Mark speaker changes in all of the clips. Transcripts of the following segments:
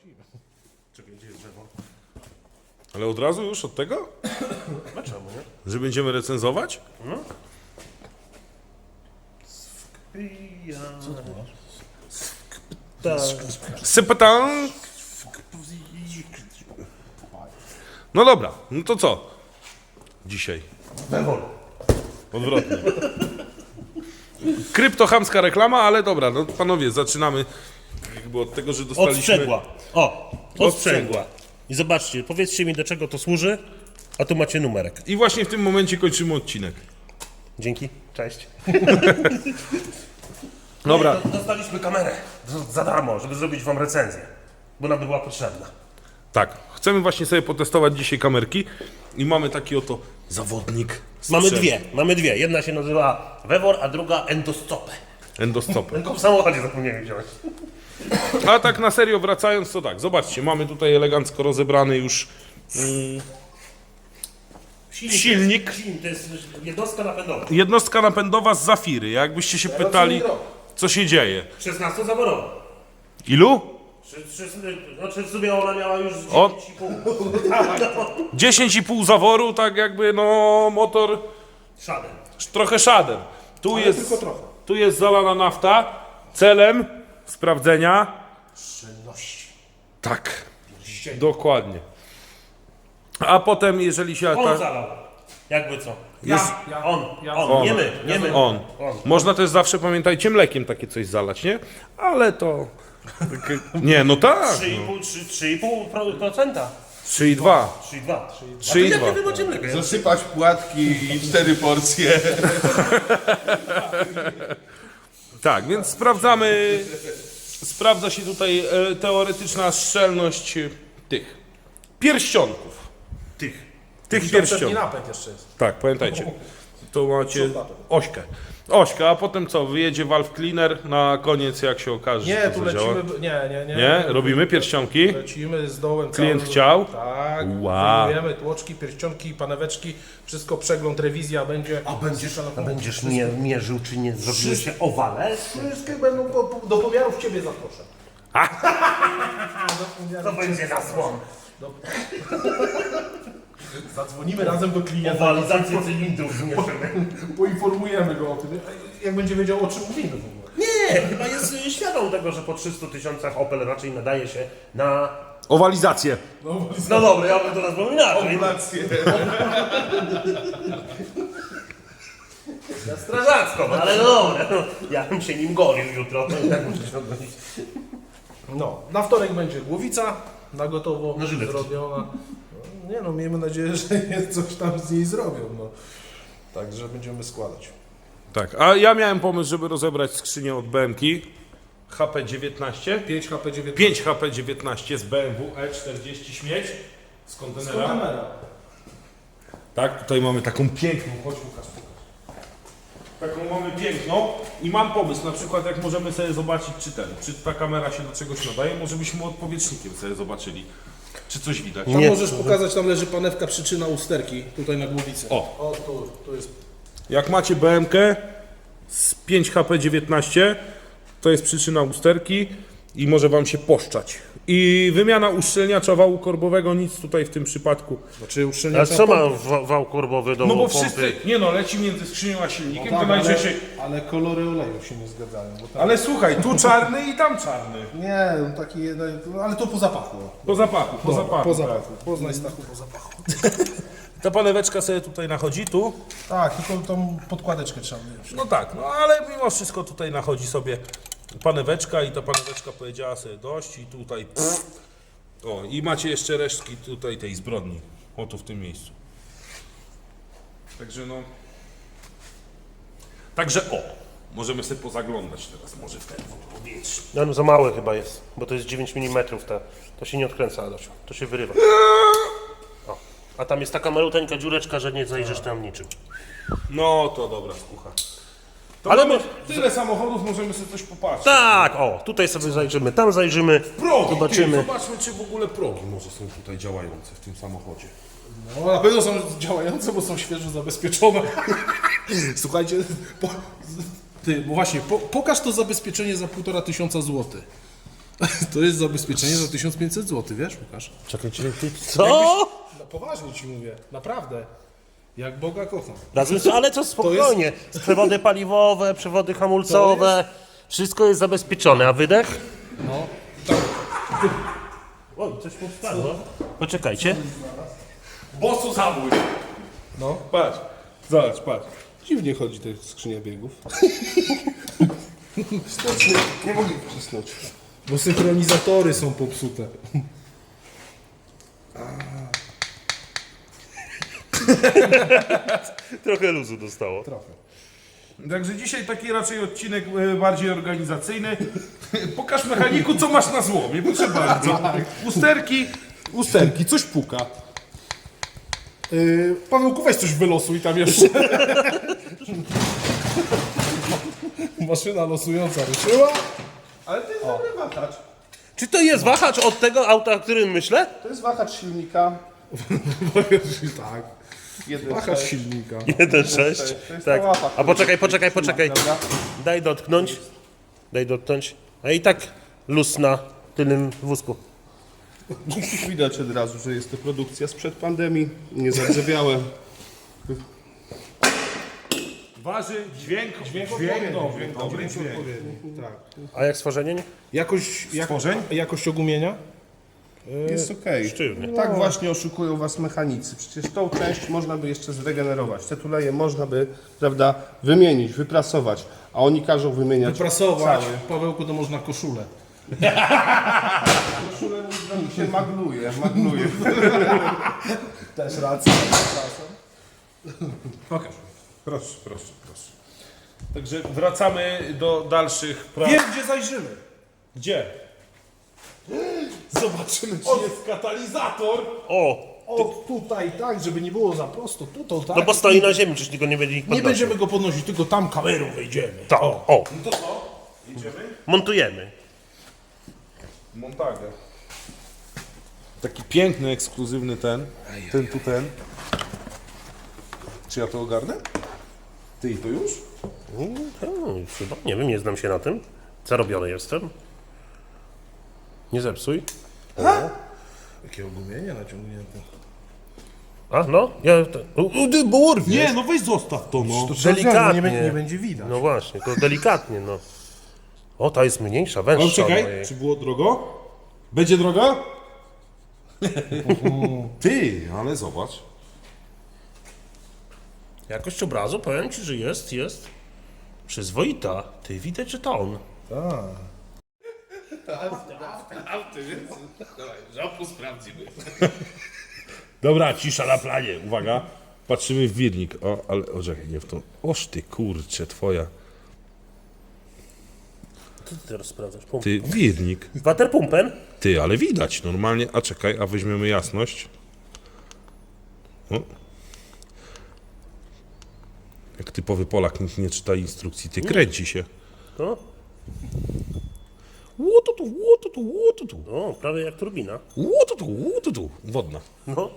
Speaker 1: Czekaj, gdzie jest drzewo?
Speaker 2: Ale od razu już od tego?
Speaker 1: Dlaczego, nie?
Speaker 2: Że będziemy recenzować?
Speaker 1: Co to masz?
Speaker 2: Sypatan! No dobra, no to co? Dzisiaj.
Speaker 1: Wewol.
Speaker 2: Odwrotnie. Kryptochamska reklama, ale dobra, no panowie, zaczynamy jakby od tego, że dostaliśmy...
Speaker 1: Odsprzęgła. O, odsprzęgła. I zobaczcie, powiedzcie mi, do czego to służy, a tu macie numerek.
Speaker 2: I właśnie w tym momencie kończymy odcinek.
Speaker 1: Dzięki, cześć.
Speaker 2: Dobra.
Speaker 1: Dostaliśmy kamerę za darmo, żeby zrobić wam recenzję, bo nam była potrzebna.
Speaker 2: Tak, chcemy właśnie sobie potestować dzisiaj kamerki i mamy taki oto zawodnik.
Speaker 1: Mamy dwie. Jedna się nazywa Wewor, a druga Endoscope.
Speaker 2: Endoscopy.
Speaker 1: Tylko w samochodzie zapomniałem wziąć.
Speaker 2: A tak na serio wracając, to tak, zobaczcie, mamy tutaj elegancko rozebrany już silnik.
Speaker 1: To jest jednostka napędowa.
Speaker 2: Jednostka napędowa z Zafiry. Jakbyście się pytali, co się dzieje.
Speaker 1: 16-zaworowa.
Speaker 2: Ilu?
Speaker 1: Znaczy w sumie ona miała już
Speaker 2: O.
Speaker 1: 10,5.
Speaker 2: 10,5 zaworu, tak jakby no motor
Speaker 1: Szadem.
Speaker 2: trochę szadem. Tu jest zalana nafta celem sprawdzenia.
Speaker 1: Szczelności.
Speaker 2: Tak, dokładnie. A potem jeżeli się...
Speaker 1: On zalał. Jakby co?
Speaker 2: Jest-
Speaker 1: On. Nie my.
Speaker 2: On. Można też zawsze, pamiętajcie, mlekiem takie coś zalać, nie? Ale to... Nie, no tak.
Speaker 1: 3,5%.
Speaker 2: 3,2.
Speaker 1: 3,2.
Speaker 2: 3,2.
Speaker 1: Jakie wy macie mleko?
Speaker 3: Zasypać płatki i 4 porcje.
Speaker 2: Tak, więc sprawdzamy. Sprawdza się tutaj teoretyczna szczelność tych pierścionków. Tych pierścionków.
Speaker 4: napęd jeszcze jest.
Speaker 2: Tak, pamiętajcie. To macie ośkę, a potem co? Wyjedzie valve cleaner na koniec, jak się okaże,
Speaker 4: Nie,
Speaker 2: że
Speaker 4: tu
Speaker 2: to zadziała.
Speaker 4: lecimy. Nie.
Speaker 2: Nie? Robimy pierścionki.
Speaker 4: Lecimy z dołem.
Speaker 2: Klient
Speaker 4: całym-
Speaker 2: chciał?
Speaker 4: Tak.
Speaker 2: Wow.
Speaker 4: Wyjmujemy tłoczki, pierścionki, paneweczki. Wszystko przegląd, rewizja będzie.
Speaker 1: A będziesz mierzył, czy nie zrobiły się owale?
Speaker 4: Wszystkie będą do pomiarów ciebie zaproszę.
Speaker 1: To będzie zasłon.
Speaker 4: Zadzwonimy razem do klienta.
Speaker 1: Owalizację cylindrów zmierzymy.
Speaker 4: Poinformujemy go o tym. Jak będzie wiedział, o czym mówimy w ogóle.
Speaker 1: Nie, chyba jest świadom tego, że po 300 000 Opel raczej nadaje się na...
Speaker 2: Owalizację.
Speaker 1: No dobra, ja bym to nazwał inaczej. Na strażacką, ale no dobra. No, ja bym się nim golił jutro. Tak muszę się odgonić.
Speaker 4: No, na wtorek będzie głowica na gotowo
Speaker 1: Na żyletki.
Speaker 4: zrobiona. No, nie no, miejmy nadzieję, że coś tam z niej zrobią. No. Także będziemy składać.
Speaker 2: Tak, a ja miałem pomysł, żeby rozebrać skrzynię od BMki HP19.
Speaker 4: 5 HP9.
Speaker 2: 5 HP19 z BMW E40 śmieć z kontenera. Tak, tutaj mamy taką piękną, chodź Łukasz, pokaż. Taką mamy piękną i mam pomysł, na przykład jak możemy sobie zobaczyć, czy ta kamera się do czegoś nadaje, może byśmy odpowietrznikiem sobie zobaczyli, czy coś widać.
Speaker 4: Tam
Speaker 1: Nie.
Speaker 4: możesz pokazać, tam leży panewka przyczyna usterki, tutaj na głowicy.
Speaker 2: O.
Speaker 4: Tu jest.
Speaker 2: Jak macie BMK z 5 HP19, to jest przyczyna usterki i może wam się poszczać. I wymiana uszczelniacza wału korbowego, nic tutaj w tym przypadku.
Speaker 4: Znaczy
Speaker 1: A
Speaker 4: uszczelniacza
Speaker 1: co ma wał korbowy do
Speaker 2: No bo
Speaker 1: pompy?
Speaker 2: wszyscy, nie no, leci między skrzynią a silnikiem, to
Speaker 4: ale,
Speaker 2: najczęściej...
Speaker 4: ale kolory oleju się nie zgadzają. Bo tam...
Speaker 2: Ale słuchaj, tu czarny i tam czarny.
Speaker 4: Nie, no taki ale to po zapachu.
Speaker 2: Po zapachu, po zapachu.
Speaker 4: Po zapachu. Poznaj Stachu po zapachu.
Speaker 2: Ta paneweczka sobie tutaj nachodzi, tu.
Speaker 4: Tak, tylko tą podkładeczkę trzeba mieć.
Speaker 2: No tak, no ale mimo wszystko tutaj nachodzi sobie paneweczka i ta paneweczka powiedziała sobie dość i tutaj... O, i macie jeszcze resztki tutaj tej zbrodni. O, tu w tym miejscu. Także no... Także o, możemy sobie pozaglądać teraz, może w ten powietrze.
Speaker 1: No za małe chyba jest, bo to jest 9 mm to się nie odkręca, Adasiu, to się wyrywa. O. A tam jest taka maluteńka dziureczka, że nie zajrzysz tam niczym.
Speaker 2: No to dobra, skucha. To
Speaker 1: Ale
Speaker 2: mamy
Speaker 1: my-
Speaker 2: tyle samochodów, możemy sobie coś popatrzeć.
Speaker 1: Tak, o, tutaj sobie zajrzymy, tam zajrzymy,
Speaker 2: Progi,
Speaker 1: zobaczymy.
Speaker 2: Ty, zobaczmy, czy w ogóle progi może są tutaj działające w tym samochodzie.
Speaker 4: No na pewno są działające, bo są świeżo zabezpieczone. Słuchajcie, bo właśnie, pokaż to zabezpieczenie za 1500 zł. To jest zabezpieczenie za 1500 zł, wiesz, Łukasz?
Speaker 2: Czekajcie, ty...
Speaker 1: Co?
Speaker 4: No poważnie ci mówię, naprawdę. Jak Boga kocham.
Speaker 1: Razem z, ale co spokojnie. Przewody paliwowe, przewody hamulcowe. Wszystko jest zabezpieczone, a wydech?
Speaker 4: No.
Speaker 1: Oj, coś mu wpadło. Poczekajcie.
Speaker 3: Bosu zabój.
Speaker 4: No.
Speaker 3: Patrz, zobacz, patrz. Dziwnie chodzi ta skrzynia biegów. Nie mogę wcisnąć.
Speaker 4: Bo synchronizatory są popsute.
Speaker 1: Trochę luzu dostało.
Speaker 4: Trochę.
Speaker 2: Także dzisiaj taki raczej odcinek bardziej organizacyjny. Pokaż mechaniku, co masz na złomie, proszę bardzo. Usterki, coś puka.
Speaker 4: Pawełku, weź coś wylosuj tam jeszcze. Maszyna losująca ruszyła.
Speaker 3: Ale to jest dobry wahacz.
Speaker 1: Czy to jest wahacz od tego auta, o którym myślę?
Speaker 3: To jest wahacz silnika.
Speaker 4: Tak.
Speaker 3: Jeden
Speaker 4: Wahacz
Speaker 3: sześć.
Speaker 4: silnika.
Speaker 1: 1.6.
Speaker 3: To jest
Speaker 1: Tak.
Speaker 3: ta łapa,
Speaker 1: A poczekaj.
Speaker 3: Dobra.
Speaker 1: Daj dotknąć. Daj dotknąć. A i tak luz na tylnym wózku.
Speaker 3: Widać od razu, że jest to produkcja sprzed pandemii. Nie zardzewiałe.
Speaker 2: Waży, dźwięk dobry.
Speaker 4: Tak.
Speaker 1: A jak stworzenie?
Speaker 4: Jakość ogumienia?
Speaker 3: Jest okej.
Speaker 1: Sztywny.
Speaker 3: Tak właśnie oszukują was mechanicy. Przecież tą część można by jeszcze zregenerować. Te tuleje można by, prawda, wymienić, wyprasować. A oni każą wymieniać
Speaker 4: Wyprasować.
Speaker 3: cały.
Speaker 4: Pawełku, to można koszulę.
Speaker 3: Koszulę mi się magluje.
Speaker 4: Też racja.
Speaker 2: Pokaż. Proszę. Także wracamy do dalszych prac.
Speaker 4: Wiem, gdzie zajrzymy.
Speaker 2: Gdzie? Zobaczymy, czy jest katalizator.
Speaker 1: O!
Speaker 4: O, tutaj tak, żeby nie było za prosto. Tutaj tak.
Speaker 1: No bo stoi na ziemi, czyż tylko nie będzie ich
Speaker 4: Nie
Speaker 1: podnosił.
Speaker 4: będziemy go podnosić, tylko tam kamerą wejdziemy.
Speaker 1: Tak, o!
Speaker 2: To co? Jedziemy?
Speaker 1: Montujemy.
Speaker 2: Montagę. Taki piękny, ekskluzywny ten. Ten. Czy ja to ogarnę? Ty i to już?
Speaker 1: Chyba, nie wiem, nie znam się na tym. Zarobiony jestem. Nie zepsuj.
Speaker 4: Jakie ogumienie naciągnięte.
Speaker 1: A, no, ja... Bo urwie.
Speaker 2: Nie, no weź zostaw to, no.
Speaker 1: Delikatnie.
Speaker 4: Nie będzie widać.
Speaker 1: No właśnie, to delikatnie, no. O, ta jest mniejsza, węższa.
Speaker 2: Ale czekaj,
Speaker 1: od mojej.
Speaker 2: czy było drogo? Będzie drogo? Ty, ale zobacz.
Speaker 1: Jakość obrazu, powiem ci, że jest przyzwoita. Ty, widać, że to on.
Speaker 3: Żabku sprawdzimy.
Speaker 2: Dobra, cisza na planie, uwaga. Patrzymy w wirnik. O, ale, o, czekaj, nie w tą. Oż ty, kurczę, twoja.
Speaker 1: Co ty teraz sprawdzasz? Pump.
Speaker 2: Ty, wirnik.
Speaker 1: Waterpumpen?
Speaker 2: Ty, ale widać normalnie. A czekaj, a weźmiemy jasność. O. Jak typowy Polak nikt nie czyta instrukcji, ty kręci się.
Speaker 1: No.
Speaker 2: Łotutu.
Speaker 1: O, prawie jak turbina.
Speaker 2: Łotutu. Wodna.
Speaker 1: No.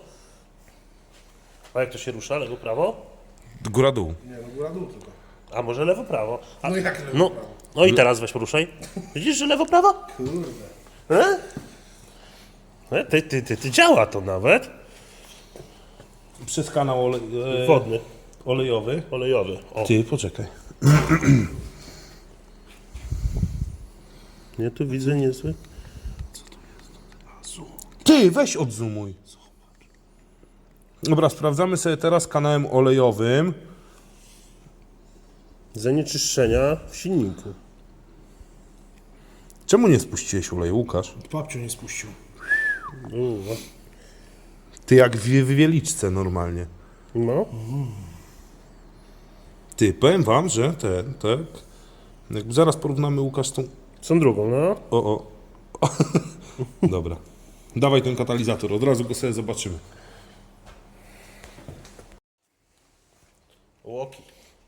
Speaker 1: A jak to się rusza? Lewo, prawo?
Speaker 2: Góra dół.
Speaker 4: Nie, no góra dół tylko.
Speaker 1: A może lewo, prawo? A,
Speaker 4: No jak lewo,
Speaker 1: no,
Speaker 4: prawo?
Speaker 1: no i teraz weź poruszaj. Widzisz, że lewo, prawo?
Speaker 4: Kurde.
Speaker 1: Ty działa to nawet.
Speaker 2: Przez kanał
Speaker 1: Wodny,
Speaker 2: olejowy.
Speaker 1: olejowy. O.
Speaker 2: Ty, poczekaj.
Speaker 1: Nie, tu widzę niezły.
Speaker 2: Ty, weź odzumuj. Dobra, sprawdzamy sobie teraz kanałem olejowym.
Speaker 1: Zanieczyszczenia w silniku.
Speaker 2: Czemu nie spuściłeś oleju, Łukasz?
Speaker 4: Babciu nie spuścił.
Speaker 2: Ty jak w wieliczce normalnie.
Speaker 1: No.
Speaker 2: Ty, powiem wam, że tak. Jakby zaraz porównamy Łukasz z tą...
Speaker 1: Są drugą, no.
Speaker 2: O. Dobra. Dawaj ten katalizator, od razu go sobie zobaczymy.
Speaker 1: Łoki.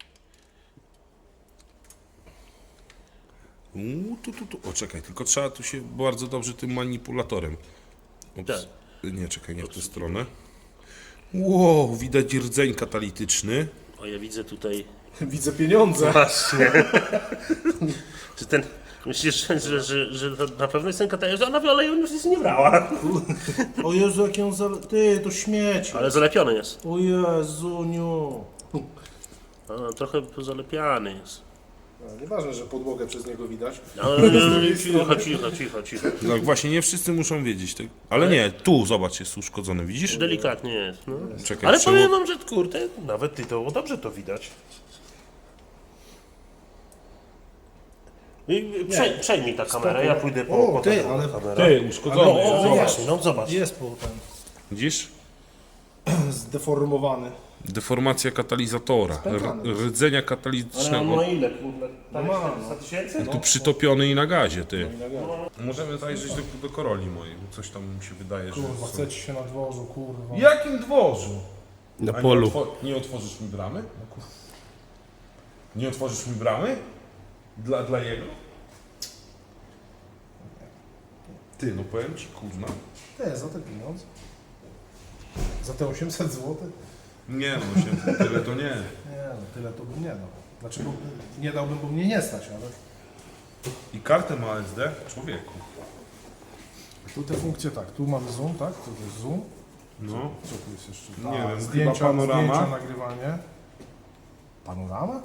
Speaker 2: O, czekaj, tylko trzeba tu się bardzo dobrze tym manipulatorem. Ups.
Speaker 1: Tak.
Speaker 2: Nie, czekaj, nie w tę stronę. Wow, widać rdzeń katalityczny.
Speaker 1: O, ja widzę tutaj...
Speaker 4: Widzę pieniądze.
Speaker 1: Właśnie. Czy ten Myślisz, że to na pewno jest ten katalog, że ona w oleju już nic nie brała.
Speaker 4: O Jezu, jak ją Ty, to śmieci.
Speaker 1: Ale zalepiony jest.
Speaker 4: O Jezuniu.
Speaker 1: Trochę zalepiany jest.
Speaker 4: No, nieważne, że podłogę przez niego widać.
Speaker 1: Cicho.
Speaker 2: No właśnie, nie wszyscy muszą wiedzieć. Tak? Ale nie, tu zobacz, jest uszkodzony, widzisz?
Speaker 1: Delikatnie jest. No.
Speaker 2: Czekaj,
Speaker 1: Ale
Speaker 2: trzeba-
Speaker 1: powiem wam, że kurde, nawet ty to dobrze to widać. Przejmij ta kamera, ja pójdę po
Speaker 4: O, ty,
Speaker 1: taką
Speaker 4: ale-
Speaker 1: kamerę.
Speaker 2: Ty, uszkodzony.
Speaker 1: No,
Speaker 2: jest,
Speaker 1: o,
Speaker 2: zobacz.
Speaker 1: właśnie, no zobacz.
Speaker 4: Jest po ten
Speaker 2: Widzisz?
Speaker 4: zdeformowany.
Speaker 2: Deformacja katalizatora, rdzenia
Speaker 1: Ale on
Speaker 2: katalitycznego.
Speaker 1: ma ile, kurde?
Speaker 4: No ma,
Speaker 1: 400 tysięcy?
Speaker 2: Tu przytopiony i na gazie, ty. Możemy zajrzeć do Koroli mojej, bo coś tam mi się wydaje, że...
Speaker 4: Kurwa, chcecie się na dworzu, kurwa.
Speaker 2: Jakim dworzu?
Speaker 3: Na
Speaker 2: A
Speaker 3: polu.
Speaker 2: nie otworzysz mi bramy? Nie otworzysz mi bramy? Dla jego? Ty, no powiem ci, kurna.
Speaker 4: Ty, za te pieniądze? Za te 800 zł?
Speaker 2: Nie no, się, tyle to nie.
Speaker 4: Nie no, tyle to bym nie dał. Znaczy, bo nie dałbym, bo mnie nie stać, ale...
Speaker 2: I kartę ma SD? Człowieku.
Speaker 4: Tu te funkcje tak, tu mamy zoom, tak? Tu jest zoom.
Speaker 2: No.
Speaker 4: Co tu jest jeszcze?
Speaker 2: Nie wiem,
Speaker 4: zdjęcia,
Speaker 2: chyba panorama.
Speaker 4: zdjęcia, nagrywanie. Panorama?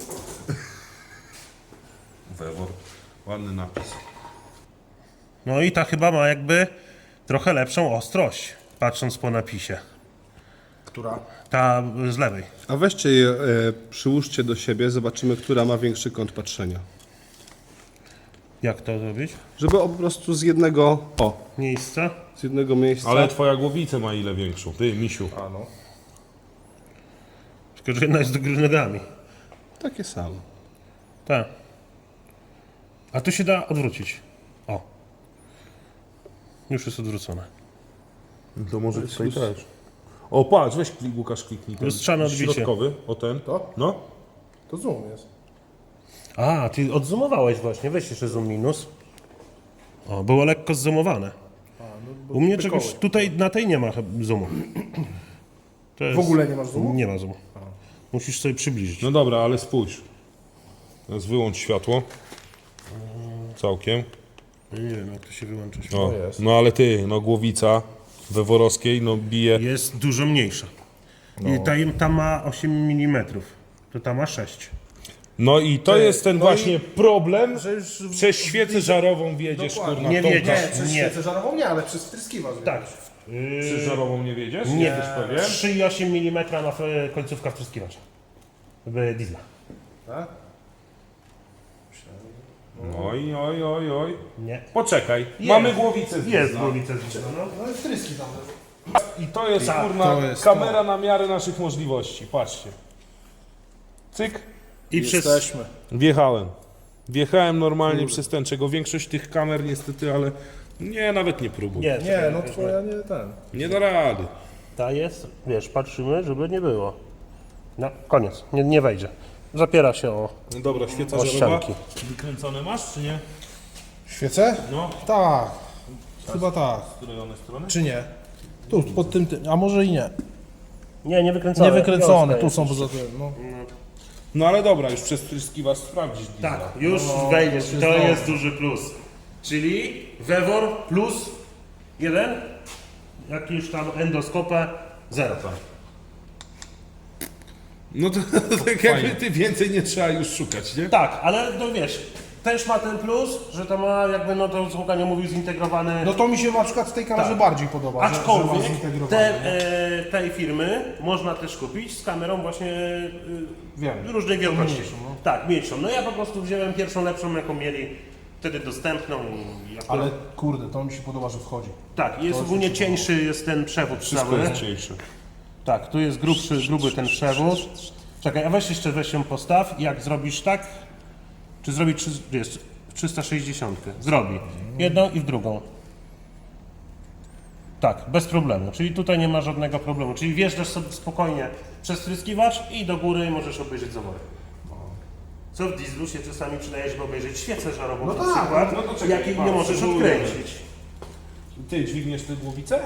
Speaker 2: Wewor. Ładny napis.
Speaker 1: No i ta chyba ma jakby trochę lepszą ostrość, patrząc po napisie.
Speaker 4: Która?
Speaker 1: Ta z lewej.
Speaker 3: A weźcie je, przyłóżcie do siebie, zobaczymy, która ma większy kąt patrzenia.
Speaker 1: Jak to zrobić?
Speaker 3: Żeby po prostu z jednego,
Speaker 1: Miejsce.
Speaker 3: z jednego miejsca.
Speaker 2: Ale twoja głowica ma ile większą? Ty, misiu.
Speaker 4: A no.
Speaker 1: Tylko, że jedna jest do góry nogami.
Speaker 3: Takie samo.
Speaker 1: Tak. A tu się da odwrócić. O. Już jest odwrócone.
Speaker 2: To może tutaj też. O, patrz, weź Łukasz, kliknij ten
Speaker 1: Lustrzane odbicie.
Speaker 2: środkowy, o ten.
Speaker 4: To?
Speaker 2: No.
Speaker 4: To zoom jest.
Speaker 1: A, ty odzoomowałeś właśnie. Weź jeszcze zoom minus. O, było lekko zoomowane. U mnie czegoś, tutaj na tej nie ma zoomu. To jest,
Speaker 4: W ogóle nie masz zoomu?
Speaker 1: Nie ma zoomu. Musisz sobie przybliżyć.
Speaker 2: No dobra, ale spójrz. Teraz wyłącz światło. Całkiem.
Speaker 1: Nie wiem, jak to się wyłącza.
Speaker 2: O, no ale ty, no głowica weworowskiej, no bije.
Speaker 1: Jest dużo mniejsza. I ta ma 8 mm. To ta ma 6.
Speaker 2: No i to jest ten właśnie problem,
Speaker 4: Że już...
Speaker 2: przez świecę żarową wiedziesz,
Speaker 4: Dokładnie.
Speaker 2: kurna,
Speaker 1: Nie
Speaker 2: Tomka.
Speaker 1: wiedzieć.
Speaker 4: Przez
Speaker 1: Nie.
Speaker 4: świecę żarową nie, ale przez wtryskiwacz.
Speaker 1: Tak.
Speaker 2: Przez żarową nie wiedziesz?
Speaker 1: Nie.
Speaker 2: Jesteś pewien?
Speaker 1: 3,8 mm ma końcówka wtryskiwacza. Diesla.
Speaker 4: Tak?
Speaker 2: Oj.
Speaker 1: Nie.
Speaker 2: Poczekaj, mamy głowicę z
Speaker 1: Jest
Speaker 2: Diesla.
Speaker 1: głowica z Diesla, no.
Speaker 4: No i wtryski tam.
Speaker 2: I to jest,
Speaker 1: Tak,
Speaker 2: kurna,
Speaker 4: to jest
Speaker 2: kamera na miarę naszych możliwości. Patrzcie. Cyk.
Speaker 1: I przez...
Speaker 4: Jesteśmy.
Speaker 2: Wjechałem normalnie przez ten, czego większość tych kamer niestety, ale nie, nawet nie próbuj.
Speaker 1: Nie,
Speaker 4: Nie, no twoja nie ten.
Speaker 2: Nie da rady.
Speaker 1: ta jest, wiesz, patrzymy, żeby nie było. No, koniec. Nie wejdzie. Zapiera się o...
Speaker 2: No dobra, świeca
Speaker 1: O
Speaker 2: żarowa.
Speaker 1: ścianki.
Speaker 2: Wykręcone masz, czy nie?
Speaker 4: Świece?
Speaker 2: No.
Speaker 4: Tak. Chyba tak.
Speaker 2: Z której one strony?
Speaker 4: Czy nie? Tu, pod tym, a może i nie.
Speaker 1: Nie wykręcone.
Speaker 4: Nie wykręcone,
Speaker 1: Wiązka
Speaker 4: tu
Speaker 1: jest
Speaker 4: są
Speaker 1: jeszcze.
Speaker 4: poza tym. No.
Speaker 2: No ale dobra, już przez tryskiwacz sprawdzisz.
Speaker 1: Tak, już wejdziesz.
Speaker 4: to
Speaker 1: To
Speaker 4: jest
Speaker 1: jest duży plus. Czyli Wewor plus 1, jakieś tam endoskopę 0.
Speaker 2: No to tak jakby ty więcej nie trzeba już szukać, nie?
Speaker 1: Tak, ale no wiesz, też ma ten plus, że to ma jakby, no to Łukasz mówił, zintegrowany.
Speaker 4: No to mi się na przykład w tej kamerze
Speaker 1: Tak.
Speaker 4: bardziej podoba.
Speaker 1: Aczkolwiek
Speaker 4: że ma zintegrowane,
Speaker 1: tej firmy można też kupić z kamerą właśnie
Speaker 4: Wiem.
Speaker 1: różnej wielkości.
Speaker 4: Mniejszą, no.
Speaker 1: Tak, mniejszą. No ja po prostu wziąłem pierwszą lepszą, jaką mieli wtedy dostępną. I akurat...
Speaker 4: Ale kurde, to mi się podoba, że wchodzi.
Speaker 1: Tak, jest ogólnie cieńszy jest ten przewód
Speaker 2: Wszystko
Speaker 1: cały.
Speaker 2: jest cieńsze.
Speaker 1: Tak, tu jest gruby ten przewód. Czekaj, a weź ją postaw. Jak zrobisz tak? Czy zrobi 360? Zrobi. Jedną i w drugą. Tak, bez problemu. Czyli tutaj nie ma żadnego problemu. Czyli wjeżdżasz sobie spokojnie przez tryskiwacz i do góry możesz obejrzeć zawory. Co w dieslu się czasami przydaje, żeby obejrzeć świecę żarową
Speaker 4: No
Speaker 1: na
Speaker 4: tak,
Speaker 1: przykład,
Speaker 2: no to czekaj,
Speaker 1: jakiej nie
Speaker 2: patrz,
Speaker 1: możesz
Speaker 2: spróbujemy.
Speaker 1: odkręcić.
Speaker 2: Ty dźwigniesz tę głowicę?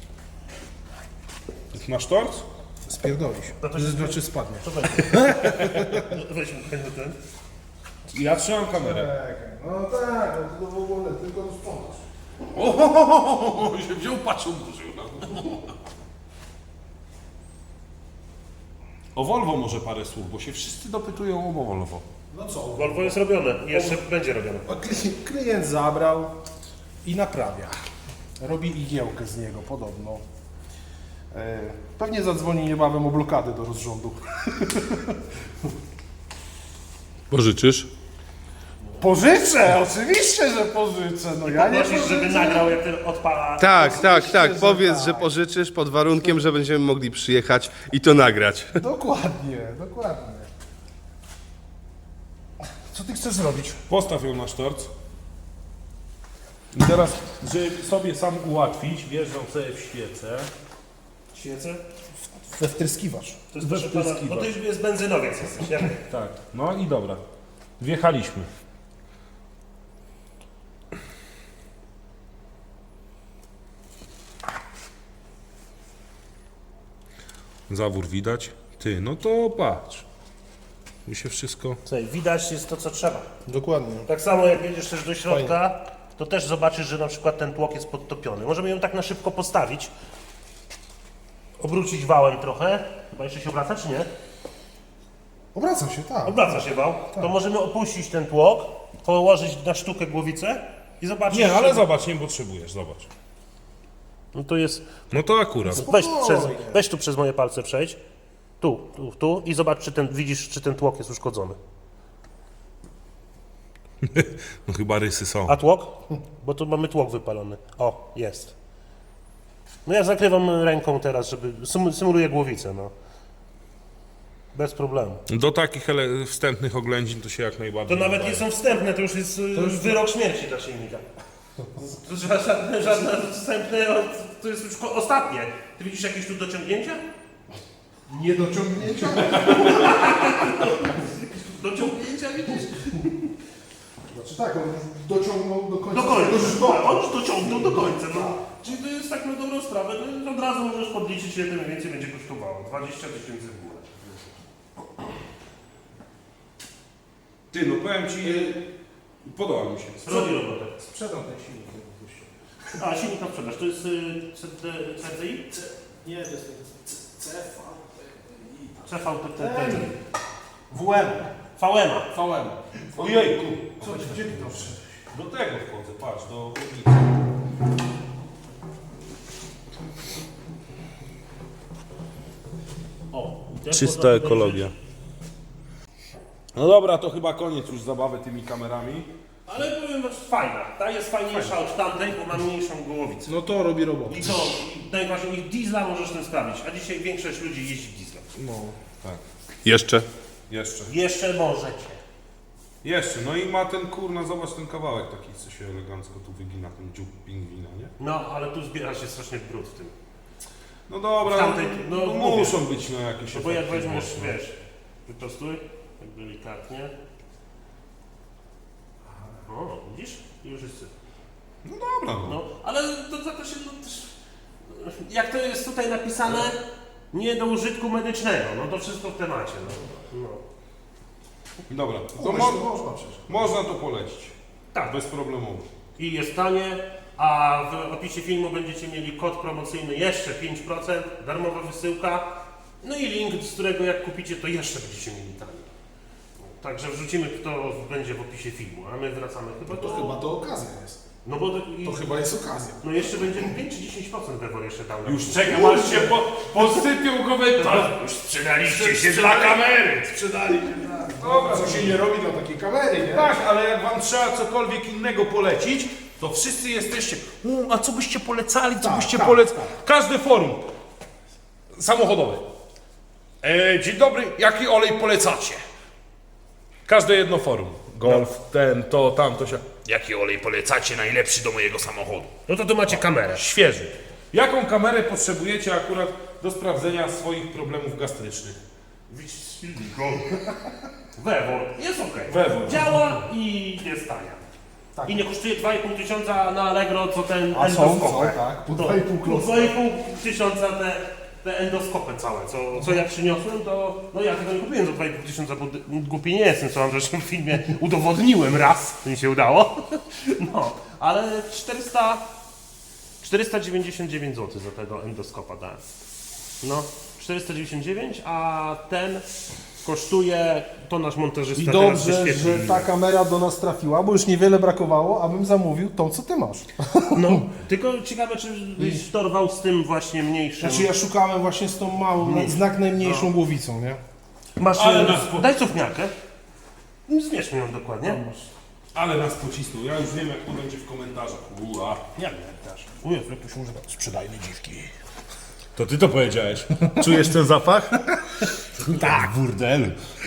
Speaker 2: Masz tort?
Speaker 4: Spierdolisz.
Speaker 1: No to się
Speaker 4: Znaczy spadnie.
Speaker 1: Weźmy ten.
Speaker 2: Ja trzymam kamerę.
Speaker 4: Czekaj, no tak, no to w ogóle tylko rozpoznasz.
Speaker 2: O, się wziął, patrzył, burzył. O Volvo może parę słów, bo się wszyscy dopytują o Volvo.
Speaker 4: No co?
Speaker 1: Volvo jest robione i jeszcze będzie robione.
Speaker 4: A klient zabrał i naprawia. Robi igiełkę z niego podobno. Pewnie zadzwoni niebawem o blokadę do rozrządu.
Speaker 2: Pożyczysz?
Speaker 4: Pożyczę, oczywiście, że pożyczę. No ja nie
Speaker 1: Prosisz, żeby
Speaker 4: pożyczę.
Speaker 1: nagrał, jak ten odpala.
Speaker 3: Tak, tak, tak.
Speaker 4: że
Speaker 3: Powiedz,
Speaker 4: tak.
Speaker 3: że pożyczysz pod warunkiem, że będziemy mogli przyjechać i to nagrać.
Speaker 4: Dokładnie, dokładnie. Co ty chcesz zrobić?
Speaker 2: Postaw ją na sztorc. I teraz, żeby sobie sam ułatwić, wjeżdżam sobie w świecę.
Speaker 1: Świecę?
Speaker 4: We wtryskiwacz.
Speaker 1: To jest proszę pana, bo to już jest benzynowiec jesteś, nie?
Speaker 2: Tak, no i dobra. Wjechaliśmy. Zawór widać. Ty, no to patrz. Mi się wszystko...
Speaker 1: Słuchaj, widać jest to, co trzeba.
Speaker 4: Dokładnie.
Speaker 1: Tak samo jak jedziesz też do środka, to też zobaczysz, że na przykład ten tłok jest podtopiony. Możemy ją tak na szybko postawić, obrócić wałem trochę. Chyba jeszcze się obraca, czy nie?
Speaker 4: Obracam się, tak.
Speaker 1: Obraca się wał. To możemy opuścić ten tłok, położyć na sztukę głowicę i zobaczyć.
Speaker 2: Nie, ale
Speaker 1: że-
Speaker 2: zobacz, nie potrzebujesz, zobacz.
Speaker 1: No to jest.
Speaker 2: No to akurat.
Speaker 1: Weź tu przez moje palce przejdź. Tu i zobacz, czy widzisz, czy ten tłok jest uszkodzony.
Speaker 2: No chyba rysy są.
Speaker 1: A tłok? Bo tu mamy tłok wypalony. O, jest. No ja zakrywam ręką teraz, żeby symuluję głowicę, no. Bez problemu.
Speaker 2: Do takich wstępnych oględzin to się jak najbardziej...
Speaker 1: To nawet nie są wstępne, to już jest wyrok śmierci dla silnika. To żadne wstępne, to jest już ostatnie. Ty widzisz jakieś tu dociągnięcia?
Speaker 4: Nie dociągnięcia?
Speaker 1: Dociągnięcia widzisz?
Speaker 4: Znaczy tak, on już dociągnął do końca.
Speaker 1: Do końca.
Speaker 4: żywota.
Speaker 1: On już dociągnął do końca. No. Czyli to jest tak na dobrą sprawę, no, od razu możesz podliczyć, ile to mniej więcej będzie kosztowało. 20 000 w górę.
Speaker 2: Ty, no powiem ci... Podoba mi się.
Speaker 1: Robi robotę.
Speaker 4: Sprzedam ten silnik, jak wypuścił.
Speaker 1: A, silnik na sprzedaż. To jest CDI?
Speaker 4: Nie, to jest CV.
Speaker 1: CVTT.
Speaker 4: WM.
Speaker 1: VM.
Speaker 4: VM.
Speaker 2: Ojejku!
Speaker 4: Co ty, gdzie ty to wszedłeś?
Speaker 2: Do tego wchodzę, patrz, do chłodnicy.
Speaker 1: O, i też
Speaker 2: Czysta
Speaker 1: można
Speaker 2: ekologia. No dobra, to chyba koniec już zabawy tymi kamerami.
Speaker 1: Ale powiem wam, fajna. Ta jest fajniejsza od tamtej, bo ma mniejszą głowicę.
Speaker 4: No to robi robotę.
Speaker 1: I to, najważniejsze, diesla możesz tym sprawić. A dzisiaj większość ludzi jeździ dieslem.
Speaker 4: No.
Speaker 2: Tak.
Speaker 3: Jeszcze?
Speaker 2: Jeszcze.
Speaker 1: Jeszcze możecie.
Speaker 2: Jeszcze, no i ma ten kurna, zobacz ten kawałek taki, co się elegancko tu wygina, ten dziób pingwina, nie?
Speaker 1: No, ale tu zbiera się strasznie brud w tym.
Speaker 2: No dobra,
Speaker 1: W tamtej-
Speaker 2: no,
Speaker 1: no,
Speaker 2: no
Speaker 1: mówię.
Speaker 2: muszą być no jakieś
Speaker 1: No bo jak
Speaker 2: efekty
Speaker 1: weźmiesz,
Speaker 2: mocne.
Speaker 1: wiesz, wyprostuj, tak delikatnie. O, widzisz? I już jest syf.
Speaker 2: No dobra, no.
Speaker 1: No, ale to za to się, no, też, jak to jest tutaj napisane, nie do użytku medycznego, no to wszystko w temacie, no.
Speaker 2: Dobra, to
Speaker 4: Można przecież.
Speaker 2: można to polecić.
Speaker 1: Tak.
Speaker 2: Bez problemu.
Speaker 1: I jest tanie, a w opisie filmu będziecie mieli kod promocyjny jeszcze 5%, darmowa wysyłka, no i link, z którego jak kupicie, to jeszcze będziecie mieli taniej. Także wrzucimy, kto będzie w opisie filmu, a my wracamy chyba
Speaker 4: To
Speaker 1: do...
Speaker 4: chyba to okazja jest.
Speaker 1: No bo
Speaker 4: To chyba jest okazja.
Speaker 1: no jeszcze będzie 5 czy 10% Bewor jeszcze dał. nam.
Speaker 2: Już czekam, aż się posypią komentarze.
Speaker 1: Już sprzedaliście się dla kamery!
Speaker 4: Sprzedali się. Dobra, co się nie robi dla takiej kamery, nie?
Speaker 2: Tak, ale jak wam trzeba cokolwiek innego polecić, to wszyscy jesteście, a co byście polecali, co
Speaker 4: Tak,
Speaker 2: byście
Speaker 4: tak,
Speaker 2: polecali?
Speaker 4: tak.
Speaker 2: Każde forum samochodowe. Dzień dobry, jaki olej polecacie? Każde jedno forum. Golf, ten, to, tamto się. Jaki olej polecacie najlepszy do mojego samochodu?
Speaker 1: No to tu macie kamerę.
Speaker 2: Świeży. Jaką kamerę potrzebujecie akurat do sprawdzenia swoich problemów gastrycznych?
Speaker 1: Bewor, jest ok.
Speaker 2: Bewor.
Speaker 1: Działa i jest tania.
Speaker 4: Tak.
Speaker 1: I nie kosztuje 2,5 tysiąca na Allegro, co ten
Speaker 4: A są,
Speaker 1: endoskopek.
Speaker 4: tak. Po
Speaker 1: To
Speaker 4: 2,5
Speaker 1: po
Speaker 4: klocka.
Speaker 1: 2,5 tysiąca te te endoskopy całe, co ja przyniosłem, to no ja tego nie kupiłem za 2,5 tysiąca, bo głupi nie jestem, co wam zresztą w filmie udowodniłem raz, to mi się udało. No, ale 499 zł za tego endoskopa dałem. No, 499, a ten kosztuje, to nasz montażysta
Speaker 4: I
Speaker 1: teraz
Speaker 4: dobrze,
Speaker 1: wyświetlił.
Speaker 4: że ta kamera do nas trafiła, bo już niewiele brakowało, abym zamówił tą, co ty masz.
Speaker 1: No, tylko ciekawe, czy byś dorwał z tym właśnie mniejszym.
Speaker 4: Znaczy ja szukałem właśnie z tą małą, znak najmniejszą głowicą, nie?
Speaker 1: Masz,
Speaker 2: Ale nas
Speaker 1: daj cofniarkę. Zmierz mi ją dokładnie.
Speaker 2: Ale nas pocisnął, ja już wiem jak to będzie w komentarzach. Ua.
Speaker 1: Jak nie też.
Speaker 4: O Jezu, jak to się używa? Sprzedajne dziwki.
Speaker 2: To ty to powiedziałeś.
Speaker 3: Czujesz ten zapach?
Speaker 2: Tak, burdelu.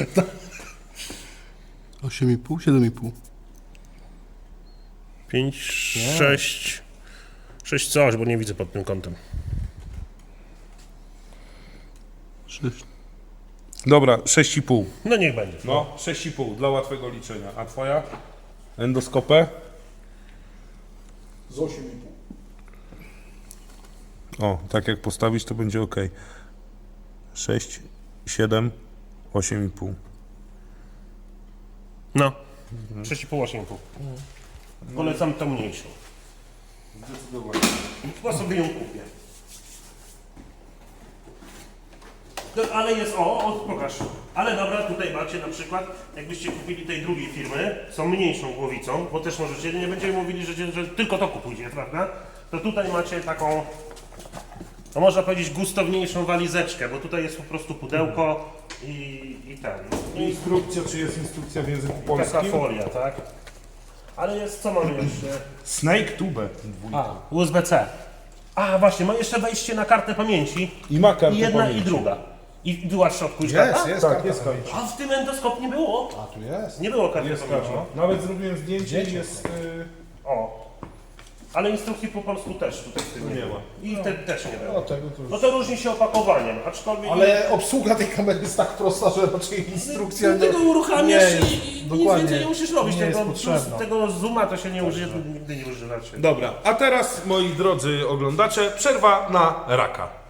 Speaker 3: 8,5, 7,5.
Speaker 1: 5, 6. 6 coś, bo nie widzę pod tym kątem.
Speaker 3: 6.
Speaker 2: Dobra, 6,5.
Speaker 1: No niech będzie.
Speaker 2: No, 6,5 dla łatwego liczenia. A twoja? Endoskopę?
Speaker 4: Z 8,5.
Speaker 2: O, tak jak postawisz, to będzie ok. 6, 7, 8,5.
Speaker 1: No. 6,5, 8,5. Polecam tą mniejszą.
Speaker 2: Zdecydowanie.
Speaker 1: Chyba sobie ją kupię. No, ale jest, pokaż. Ale dobra, tutaj macie na przykład, jakbyście kupili tej drugiej firmy, są mniejszą głowicą, bo też możecie, nie będziemy mówili, że tylko to kupujcie, prawda? To tutaj macie taką, no można powiedzieć, gustowniejszą walizeczkę, bo tutaj jest po prostu pudełko i ten.
Speaker 2: Instrukcja, czy jest instrukcja w języku
Speaker 1: Taka
Speaker 2: polskim?
Speaker 1: folia, tak? Ale jest, co mamy jeszcze?
Speaker 2: Snake Tube.
Speaker 1: USB-C. A, właśnie, ma jeszcze wejście na kartę pamięci.
Speaker 2: I ma kartę
Speaker 1: I jedna
Speaker 2: pamięci.
Speaker 1: i druga. I była w środku już
Speaker 4: Jest,
Speaker 1: karta?
Speaker 4: jest
Speaker 2: Tak,
Speaker 4: karta
Speaker 2: jest
Speaker 4: pamięci.
Speaker 1: A w tym endoskop nie było.
Speaker 4: A tu jest.
Speaker 1: Nie było karty
Speaker 2: Jest
Speaker 1: pamięci.
Speaker 2: karta. Nawet zrobiłem zdjęcie i
Speaker 4: Zdjęcie.
Speaker 2: jest...
Speaker 1: O. Ale instrukcji po polsku też tutaj w tym nie
Speaker 2: Nie
Speaker 1: ma.
Speaker 2: ma.
Speaker 1: I te też nie
Speaker 4: No
Speaker 1: było.
Speaker 4: tego to już.
Speaker 1: No to różni się opakowaniem, aczkolwiek...
Speaker 4: Ale obsługa tej kamery jest tak prosta, że raczej instrukcja...
Speaker 1: Ty tego uruchamiasz
Speaker 4: nie jest,
Speaker 1: i nic
Speaker 4: dokładnie.
Speaker 1: więcej nie musisz robić.
Speaker 4: Nie jest
Speaker 1: Tego,
Speaker 4: potrzebna.
Speaker 1: tego zooma to się nie użyje, to nigdy nie używacie.
Speaker 2: Dobra, a teraz moi drodzy oglądacze, przerwa na raka.